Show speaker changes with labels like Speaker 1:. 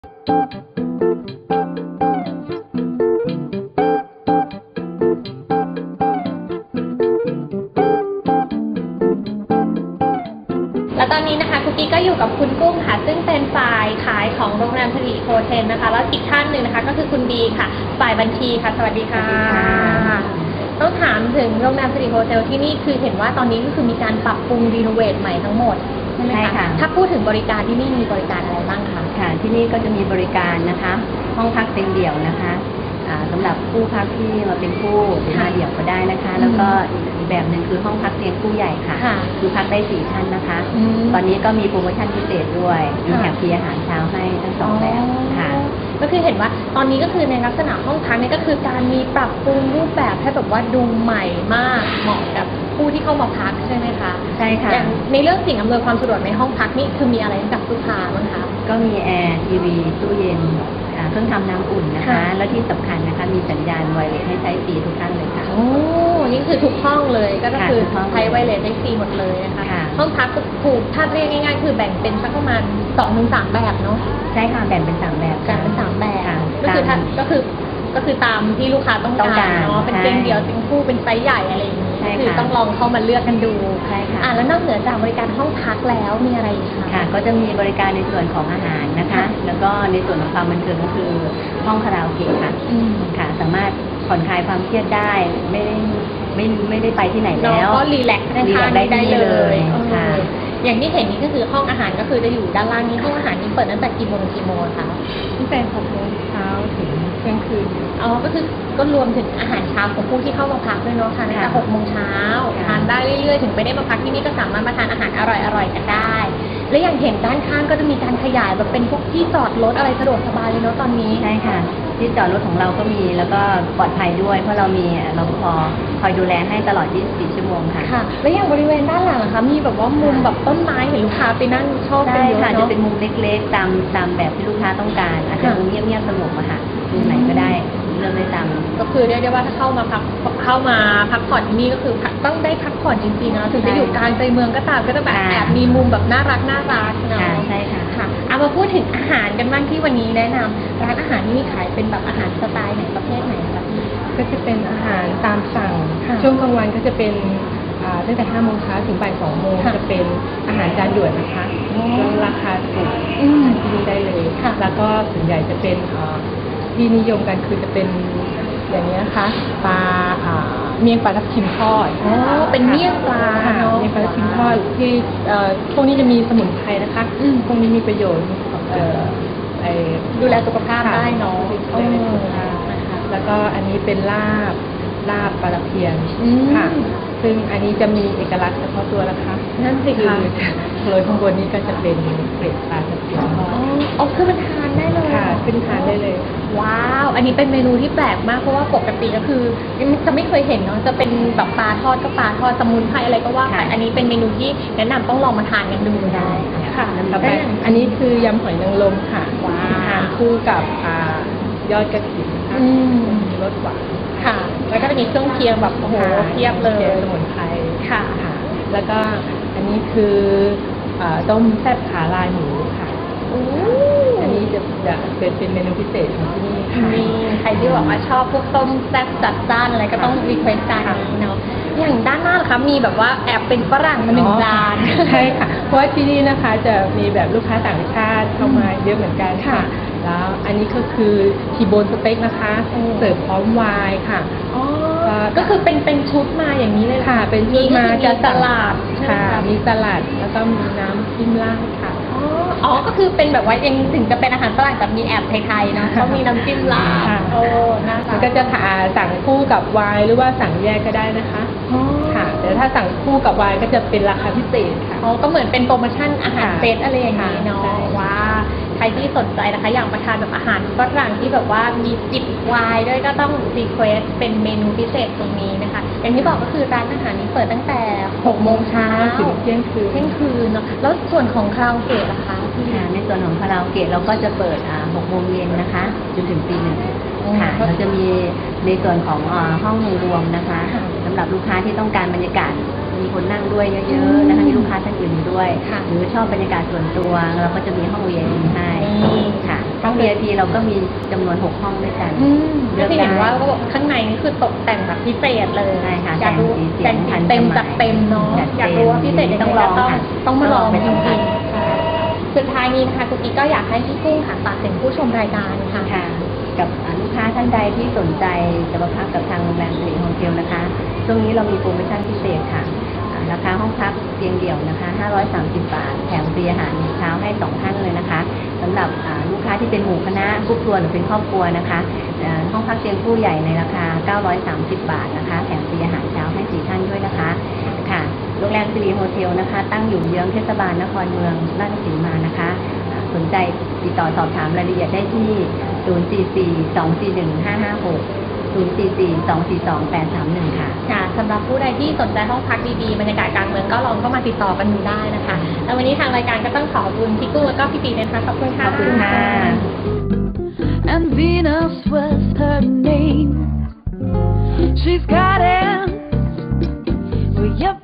Speaker 1: และตอนนี้นะคะคุกกี้ก็อยู่กับคุณกุ้งค่ะซึ่งเป็นฝ่ายขายของโรงแรมสิริโฮเทลนะคะแล้วอีกท่านหนึ่งนะคะก็คือคุณบีค่ะฝ่ายบัญชีค่ะสวัสดีค่ะต้องถามถึงโรงแรมสิริโฮเทลที่นี่คือเห็นว่าตอนนี้ก็คือมีการปรับปรุงรีโนเวทใหม่ทั้งหมดใช่ไหมคะถ้าพูดถึงบริการที่นี่มีบริการอะไรบ้างคะ
Speaker 2: ค่ะที่นี่ก็จะมีบริการนะคะห้องพักเต็มเดี่ยวนะคะสำหรับผู้พักที่มาเป็นคู่หรือมาเดี่ยวก็ได้นะคะแล้วก็อีกแบบหนึ่งคือห้องพักเตียงคู่ใหญ่ค่ะคือพักได้4 ท่านนะคะตอนนี้ก็มีโปรโมชั่นพิเศษด้วยมีแถมฟรีอาหารเช้าให้ทั้ง2แบบค่ะ
Speaker 1: ก็คือเห็นว่าตอนนี้ก็คือในลักษณะห้องพักนี่ก็คือการมีปรับปรุงรูปแบบให้แบบว่าดูใหม่มากเหมาะกับผู้ที่เข้ามาพักใช่ไหมคะ
Speaker 2: ใช่ค่ะ
Speaker 1: อย่างในเรื่องสิ่งอำนวยความสะดวกในห้องพักนี่คือมีอะไรให้กับลูกค้าบ้างคะ
Speaker 2: ก็มีแอร์ทีวีตู้เย็นเครื่องทำน้ำอุ่นนะคะและที่สำคัญนะคะมีสัญญาณไวเลสให้ใช้ฟรีทุกท่านเลยค่ะ
Speaker 1: โอ้นี่คือทุกห้องเลยก็คือใช้ไวเลสได้ฟรีหมดเลยนะคะห้องพักถูกถ้าเรียกง่ายๆคือแบ่งเป็นสักประมาณ2-3แบบเนาะ
Speaker 2: ใช่ค่ะแบ่งเป็น3แบบ
Speaker 1: แบ่งเป็น3แบบก็คือตามที่ลูกค้าต้องการเนาะเป็นเตียงเดี่ยวเตียงคู่เป็นไซส์ใหญ่อะไรอย่างนี้คือต้องลองเข้ามาเลือกกันดู
Speaker 2: ใช่ค่ะ
Speaker 1: แล้วนอกเหนือจากบริการห้องพักแล้วมีอะไรอีกคะ
Speaker 2: ค่ะก็จะมีบริการในส่วนของอาหารนะคะแล้วก็ในส่วนของความบันเทิงก็คือห้องคาราโอเกะค่ะค่ะสามารถผ่อนคลายความเครียดได้ไม่ได้ไปที่ไหนแล้ว
Speaker 1: ก็รีแลกซ์ได้เลยค่ะอย่างที่เห็นนี่ก็คือห้องอาหารก็คือจะอยู่ด้านล่างนี้ห้องอาหารนี้เปิดตั้งแต่กี่โมงถึงกี่โมงคะ
Speaker 2: ตั้งแต่6 โมงเช้าถึงเที่ยงคืน
Speaker 1: ก็คือก็รวมถึงอาหารเช้าของผู้ที่เข้ามาพักด้วยเนาะค่ะตั้งแต่6 โมงเช้าทานได้เรื่อยๆถึงไม่ได้มาพักที่นี่ก็สามารถมาทานอาหารอร่อยๆกันได้และอย่างเห็นด้านข้างก็จะมีการขยายแบบเป็นพวกที่จอดรถอะไรสะดวกสบายเลยเนาะตอนนี้
Speaker 2: ใช่ค่ะที่จอดรถของเราก็มีแล้วก็ปลอดภัยด้วยเพราะเรามีรปภ.คอยดูแลให้ตลอด24 ชั่วโมงค่ะ
Speaker 1: ค่ะและอย่างบริเวณด้านหลังนะคะมีแบบว่ามุมแบบต้นไม้เห็นลูกค้าไปนั่งชอบ
Speaker 2: กันเยอะเนาะจะเป็นมุมเล็กๆตามแบบที่ลูกค้าต้องการอาจจะมุมเงียบๆสงบอะค่ะมุมไหนก็ได้เลือกได้ตาม
Speaker 1: ก็คือเรียกได้ว่าถ้าเข้ามาพักผ่อนที่นี่ก็คือต้องได้พักผ่อนจริงๆนะถึงจะอยู่กลางใจเมืองก็ตามก็จะแบบแอบมีมุมแบบน่ารักเนาะ
Speaker 2: ใช่ค่ะ
Speaker 1: เอามาพูดถึงอาหารกันบ้างที่วันนี้แนะนำร้านอาหารที่มีขายเป็นแบบอาหารสไตล์ไหนประเภทไหนคะ
Speaker 3: ก็จะเป็นอาหารตามสั่งช่วงกลางวันก็จะเป็นตั้งแต่5 โมงเช้าถึงบ่าย 2 โมงจะเป็นอาหารจานด่วนนะคะราคาถูกที่นี่ได้เลยแล้วก็ส่วนใหญ่จะเป็นที่นิยมกันคือจะเป็นอย่างนี้นะคะปลาเมี่ยงปลาทับทิมทอด
Speaker 1: เป็นเมี่ยงปลา
Speaker 3: เมี่ยงปลาทับทิมทอดที่พวกนี้จะมีสมุนไพรนะคะพวกนี้มีประโยชน์
Speaker 1: ดูแลสุขภาพได้เนาะ
Speaker 3: แล้วก็อันนี้เป็นลาบปลาเพียนค่ะซึ่งอันนี้จะมีเอกลักษณ์เฉพาะตัวนะคะ
Speaker 1: นั่นสิคะ
Speaker 3: โรยข้างบนนี้ก็จะเป็นเกล็ดปลาตะเพียน
Speaker 1: คือมันทานได้เลย
Speaker 3: ค่ะขึ้นทานได้เลย
Speaker 1: ว้าวอันนี้เป็นเมนูที่แปลกมากเพราะว่าปกติก็คือจะไม่เคยเห็นเนาะจะเป็นแบบปลาทอดก็ปลาทอดสมุนไพรอะไรก็ว่าไปอันนี้เป็นเมนูที่แนะนำต้องลองมาทานกันดู
Speaker 2: ได้
Speaker 3: ค่ะแล้วอันนี้คือยำหอยนางรมค่ะทานคู่กับยอดกระถิ่นค่ะรสหวาน
Speaker 1: ค่ะแล้วก็จะมีเครื่องเคียงแบบโอ้โหเทียบเลย
Speaker 3: สมุนไพร
Speaker 1: ค่ะ
Speaker 3: แล้วก็อันนี้คือต้มแซ่บขาลายหมูค่ะอันนี้จะเป็นเมนูพิเศษของที่นี่ค่ะ
Speaker 1: มีใครที่บอกว่าชอบพวกต้มแซ่บจัดจ้านอะไรก็ต้องรีเควสต์จานนี้เนาะอย่างด้านหน้าล่ะคะมีแบบว่าแอบเป็นฝรั่งมา1 จาน
Speaker 3: ใช่ค่ะเพราะว่าที่นี่นะคะจะมีแบบลูกค้าต่างชาติเข้ามาเยอะเหมือนกันค่ะแล้วอันนี้ก็คือทีโบนสเต็กนะคะเสิร์ฟพร้อมไวน์ค่ะ
Speaker 1: ก็คือเป็นชุดมาอย่างนี้เลย
Speaker 3: ค่ะเป็นชุดมา
Speaker 1: จะสลัด
Speaker 3: ค่ะมีสลัดแล้วก็มีน้ำจิ้มราดค่ะ
Speaker 1: ก็คือเป็นแบบว่ายังถึงจะเป็นอาหารฝรั่งแต่มีแอบไทยๆนะเขามีน้ำจิ้มราด
Speaker 3: นะคะก็จะสั่งคู่กับไวน์หรือว่าสั่งแยกก็ได้นะคะค่ะแต่ถ้าสั่งคู่กับไวน์ก็จะเป็นราคาพิเศษค่ะ
Speaker 1: ก็เหมือนเป็นโปรโมชั่นอาหารเซตอะไรอย่างนี้เนาะว่าใครที่สนใจนะคะอยากมาทานแบบอาหารฝรั่งที่แบบว่ามีจิบไวน์ด้วยก็ต้องรีเควสเป็นเมนูพิเศษตรงนี้นะคะอย่างที่บอกก็คือร้านอาหารนี้เปิดตั้งแต่6 โมงเช้า
Speaker 3: ถึงเที่ยง
Speaker 1: คืนเนาะแล้วส่วนของคาราโอเกะล่ะคะ
Speaker 2: ในส่วนของคาราโอเกะเราก็จะเปิด6 โมงเย็นนะคะจนถึงตี 1ค่ะเราจะมีในส่วนของห้องรวมนะคะสำหรับลูกค้าที่ต้องการบรรยากาศมีคนนั่งด้วยเยอะๆนะคะมีลูกค้าท่านอื่นอยู่ด้วย
Speaker 1: ค่ะ
Speaker 2: หรือชอบบรรยากาศส่วนตัวเราก็จะมีห้อง VIP ให้
Speaker 1: นี่
Speaker 2: ค่ะห้อง VIP เราก็มีจำนวน6ห้องด้วยกัน
Speaker 1: ก็จะเห็นว่าเขาบอกข้างในนี่คือตกแต่งแบบพิเศษเลย
Speaker 2: ใช่ค่ะ
Speaker 1: อยากรู้
Speaker 2: แต่งสี
Speaker 1: แต่ง
Speaker 2: เสียง
Speaker 1: เต็ม
Speaker 2: ทันสมัย
Speaker 1: จากเต็มเนาะ
Speaker 2: จัดเต็ม
Speaker 1: อยากรู้ว่าพิเศษยังไง
Speaker 2: ต้องลอง
Speaker 1: ก็
Speaker 2: ค่ะ
Speaker 1: ต้องมาลอง
Speaker 2: ต้องลองไป
Speaker 1: จ
Speaker 2: สัมผั
Speaker 1: ริ
Speaker 2: ส
Speaker 1: งๆค่ะสุดท้ายนี้นะคะคุณกิ๊กก็อยากให้พี่กุ้งค่ะฝากถึงผู้ชมรายการค่ะ
Speaker 2: ค่ะกับลูกค้าท่านใดที่สนใจจะมาพักกับทางโรงแรมสิริโฮเทลนะคะช่วงนี้เรามีโปรโมชั่นพิเศษค่ะราคาห้องพักเตียงเดี่ยวนะคะ530 บาทแถมฟรีอาหารเช้าให้2ท่านเลยนะคะสำหรับลูกค้าที่เป็นหมู่คณะครอบครัวหรือเป็นครอบครัวนะคะห้องพักเตียงคู่ใหญ่ในราคา930 บาทนะคะแถมฟรีอาหารเช้าให้4ท่านด้วยนะคะค่ะโรงแรมสิริโฮเทลนะคะตั้งอยู่เยื้องเทศบาลนครเมืองราชสีมานะคะสนใจติดต่อสอบถามรายละเอียดได้ที่ 044-241-556 044-242-831 ค่ะ
Speaker 1: ค่ะสำหรับผู้ใดที่สนใจห้องพักดีๆบรรยากาศกลางเมืองก็ลองเข้ามาติดต่อกันดูได้นะคะแล้ววันนี้ทางรายการก็ต้องขอบคุณพี่กุ้งแล้วก็พี่ปีนะคะขอบคุณค่ะ
Speaker 2: ขอบคุณค่ะ
Speaker 4: And Venus was her name. She's got it for your